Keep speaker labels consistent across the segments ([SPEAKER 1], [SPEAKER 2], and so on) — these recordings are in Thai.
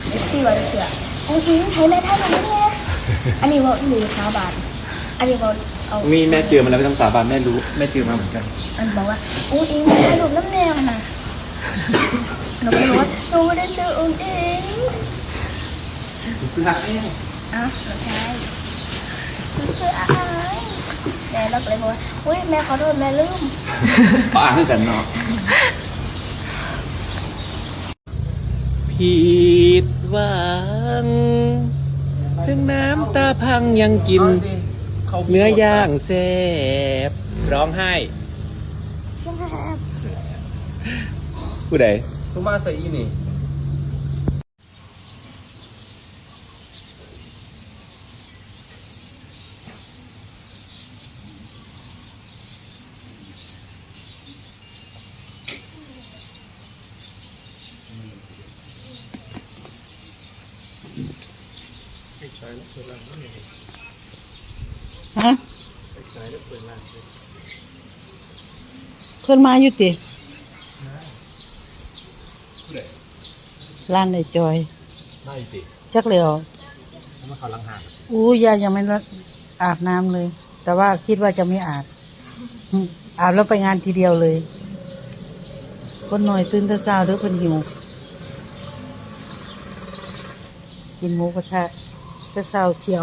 [SPEAKER 1] ที่ว่าเชื่อโอ้ยไทยแม่ท่านมันเนี่ยอันนี้ว่าหรือสาบานอันนี้ว่าเอา
[SPEAKER 2] มีแม่เจอมาแล้วไม่ต้องสาบานแม่รู้แม่เจอมาเหมือนกัน
[SPEAKER 1] มันบอกว่าอุ้งอิงไม่ได้รูปน้ำแนวนะหนูก็รู้ว่าหนูไม่ได้ซื้ออุ้งอิง
[SPEAKER 2] ซื้อรักแม่
[SPEAKER 1] อ้าวใช่ซื้ออะไรแม่เราก็เลยบอกว่าอุ้ยแม่ขอโทษแม่ลืม
[SPEAKER 2] อ่านกันเนาะผิดหวังถึงน้ำตาพังยังกินเนื้อย่างแซ่บร้องไห้ผู้ใด
[SPEAKER 3] ทุมาใส่อีนี่
[SPEAKER 4] ฮะเพิ่นมาอยู่ติร้านไอ้จอย
[SPEAKER 2] ไม่สิ
[SPEAKER 4] จักเลยเหรอ
[SPEAKER 2] มาเขาลังหา
[SPEAKER 4] ยายยังไม่อาบน้ำเลย แต่ว่าคิดว่าจะไม่อาบอาบแล้วไปงานทีเดียวเลยคนหน่อยตื่นแต่เช้าเด้อเพิ่นหิวกินหมูกระทะแต่เช้าเชียว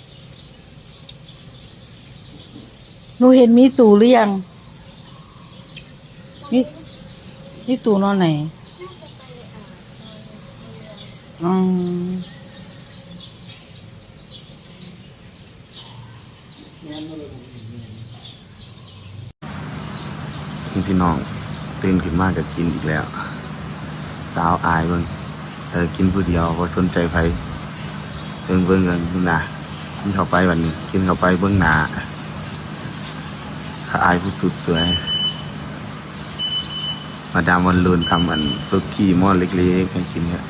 [SPEAKER 4] หนูเห็นมีตู่หรือยังนี่ตู่นอนไหน
[SPEAKER 5] พี่น้องตื่นขึ้นมากกับกินอีกแล้วสาวอายเบิ่งกินผู้เดียวก็สนใจไผเบิ่งกันนะกินเข้าไปวันนี้กินเข้าไปเบิ่งหน้าสาวอายผู้สุดสวยมาดามวันลุนทำซุกี้หม้อเล็กๆให้กินเนี่ย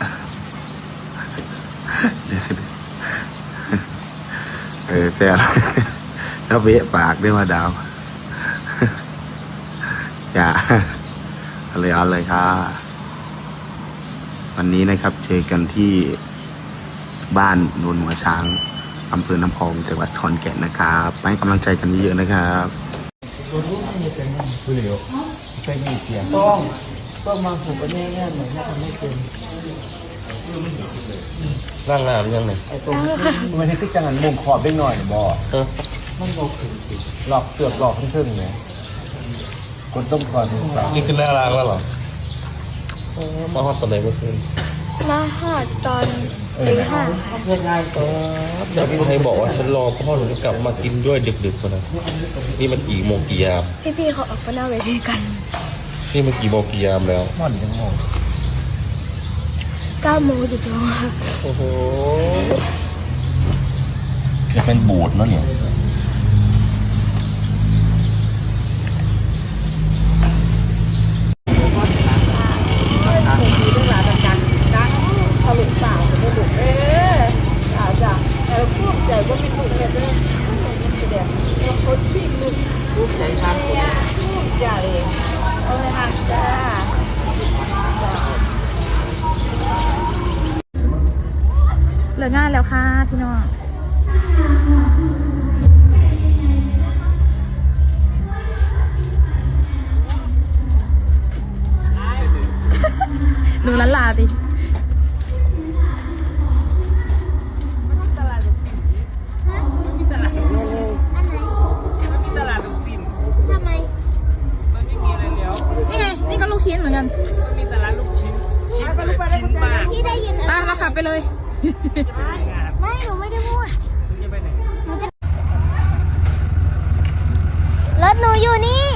[SPEAKER 5] แซ่บแล้วเวะปากด้วยมาดาวอย่าเอาเลยค่ะวันนี้นะครับเจอกันที่บ้านโนนหัวช้างอำเภอน้ำพองจังหวัดขอนแก่นนะครับให้กำลังใจกันเยอะๆนะครับ
[SPEAKER 3] ต้องมาผูกกันแน่ๆเหมือนที่ทำไม่เป็นร่างงามยังไงไอ้ตรงมันให้ติ๊กจังหันมุมขอบได้หน่อยบ่มันบอกถึงหลอกเสือกหลอกขึ้นๆไงคนต้องคอยดูนี่คือหน้ารางแล้วเหรอมาฮอตตอนไหนเมื่อคืน
[SPEAKER 1] มาหอดตอนตี 5
[SPEAKER 3] ง่ายๆจากที่ไทยบอกว่าฉันรอพ่อหนูจะกลับมากินด้วยดึกๆคนนั้นนี่มันกี่โมงกี่ยาม
[SPEAKER 1] พี่เขาออกมาหน้าเวทีกัน
[SPEAKER 3] นี่มันกี่โมงกี่ยามแล้ว
[SPEAKER 1] มันยังโมง9 โมงจุดแล้ว
[SPEAKER 3] โอ้โหจะเป็นบูดแล้วเนี่ย
[SPEAKER 1] เหลืองานแล้วค่ะพี่น้องหนูลันลาดินี่ก็ลูกชิ้นเหมือนกันมีแต่ร้านลูกชิ้นชิ้นมากพี่ได้ยินนะเราขับไปเลยไม่หนูไม่ได้พูดรถหนูอยู่นี่